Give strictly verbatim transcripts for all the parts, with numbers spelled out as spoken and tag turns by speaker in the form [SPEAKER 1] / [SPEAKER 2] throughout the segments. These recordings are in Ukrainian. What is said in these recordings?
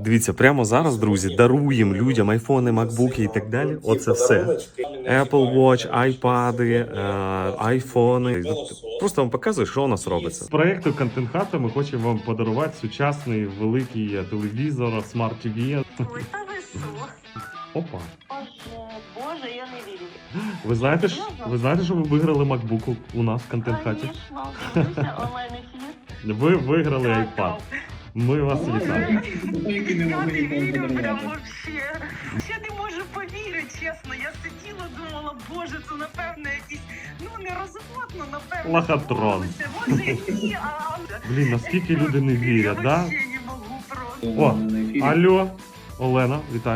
[SPEAKER 1] Дивіться, прямо зараз, друзі, даруємо людям айфони, макбуки і так далі. Оце все. Apple Watch, айпади, е, айфони. Просто вам показую, що у нас робиться. З проєкту Контент Хата ми хочемо вам подарувати сучасний великий телевізор, смарт-ті ві.
[SPEAKER 2] Ой, та ви що?
[SPEAKER 1] Опа.
[SPEAKER 2] Боже, Боже, я не вірю.
[SPEAKER 1] Ви знаєте, ж, ви знаєте, що ви виграли MacBook у нас в Контент Хаті?
[SPEAKER 2] Звісно, дивлюся онлайн-ефір.
[SPEAKER 1] Ви виграли iPad. Ми вас вітаємо.
[SPEAKER 2] Я не вірю, прям вообще. Я не можу повірити, чесно. Я сиділа, думала, боже, це напевно якийсь, ну нерозумно, напевно.
[SPEAKER 1] Лохотрон.
[SPEAKER 2] Боже, які, а...
[SPEAKER 1] Блін, наскільки люди не вірять,
[SPEAKER 2] я
[SPEAKER 1] да?
[SPEAKER 2] вообще не можу просто.
[SPEAKER 1] О, алло, Олена, вітаю.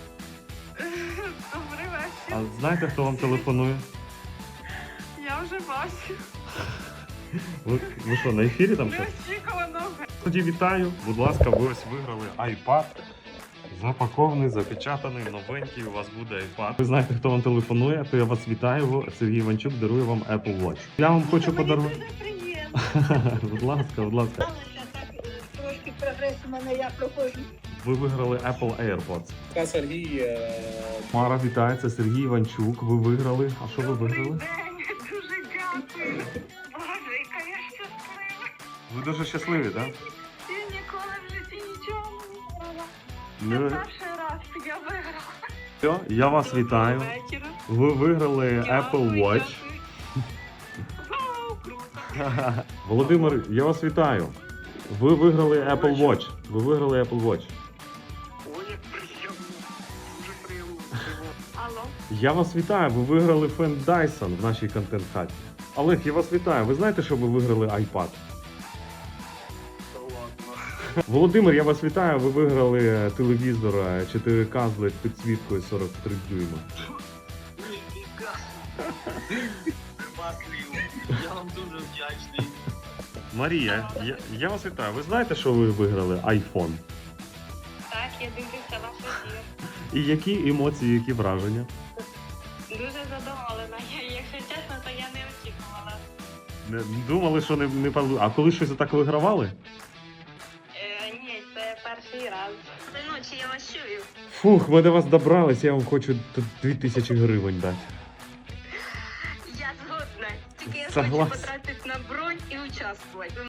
[SPEAKER 2] Добрий
[SPEAKER 1] А
[SPEAKER 2] вечір.
[SPEAKER 1] знаєте, хто вам телефонує?
[SPEAKER 2] Я вже бачу.
[SPEAKER 1] Ви, ви що, на ефірі там щось?
[SPEAKER 2] Неочікувано.
[SPEAKER 1] Тоді вітаю. Будь ласка, ви ось виграли iPad. Запакований, запечатаний, новенький. У вас буде iPad. Ви знаєте, хто вам телефонує, то я вас вітаю. Сергій Іванчук дарує вам Apple Watch. Я вам хочу подарувати.
[SPEAKER 2] Дуже приємно.
[SPEAKER 1] Будь ласка, будь ласка.
[SPEAKER 2] Сталося так, трошки прогрес у мене, я проходжу.
[SPEAKER 1] Ви виграли Apple AirPods.
[SPEAKER 3] Та Сергій. е,
[SPEAKER 1] Мара, вітаю, це Сергій Іванчук. Ви виграли. А що ви
[SPEAKER 2] Добрий
[SPEAKER 1] виграли?
[SPEAKER 2] день, дуже дякую. Боже, яка я щаслива.
[SPEAKER 1] Ви дуже щасливі, так?
[SPEAKER 2] Я ніколи в житті нічого не виграла. Це
[SPEAKER 1] Не...
[SPEAKER 2] перший раз я виграла.
[SPEAKER 1] Все, я вас вітаю.
[SPEAKER 2] Доброго вечора.
[SPEAKER 1] Ви виграли Apple
[SPEAKER 2] Дякую,
[SPEAKER 1] Watch.
[SPEAKER 2] дякую. Вау, круто.
[SPEAKER 1] Володимир, я вас вітаю. Ви виграли Apple Watch. Ви виграли Apple Watch.
[SPEAKER 2] Ой, як приємно. Дуже приємно. Алло.
[SPEAKER 1] Я вас вітаю. Ви виграли фен Dyson в нашій контент-хаті. Олег, я вас вітаю. Ви знаєте, що ви виграли iPad?
[SPEAKER 3] Та ладно.
[SPEAKER 1] Володимир, я вас вітаю. Ви виграли телевізор чотири ка з лед підсвіткою сорок три дюйма.
[SPEAKER 3] Ніфіга. Нема слів. Я вам дуже вдячний.
[SPEAKER 1] Марія, я, я вас вітаю. Ви знаєте, що ви виграли iPhone?
[SPEAKER 2] Так, я дивлюся ваш ефір.
[SPEAKER 1] І які емоції, які враження?
[SPEAKER 2] Дуже задоволена. Я, якщо чесно, то я не очікувала.
[SPEAKER 1] Не, думали, що не, не пал- А коли щось так вигравали?
[SPEAKER 2] Е, ні, це перший раз. Ночі я вас чую.
[SPEAKER 1] Фух, ми до вас добрались, я вам хочу тут дві тисячі гривень дати.
[SPEAKER 2] Я згодна. Тільки я
[SPEAKER 1] Согласен.
[SPEAKER 2] хочу потратити на бронь і участвувати.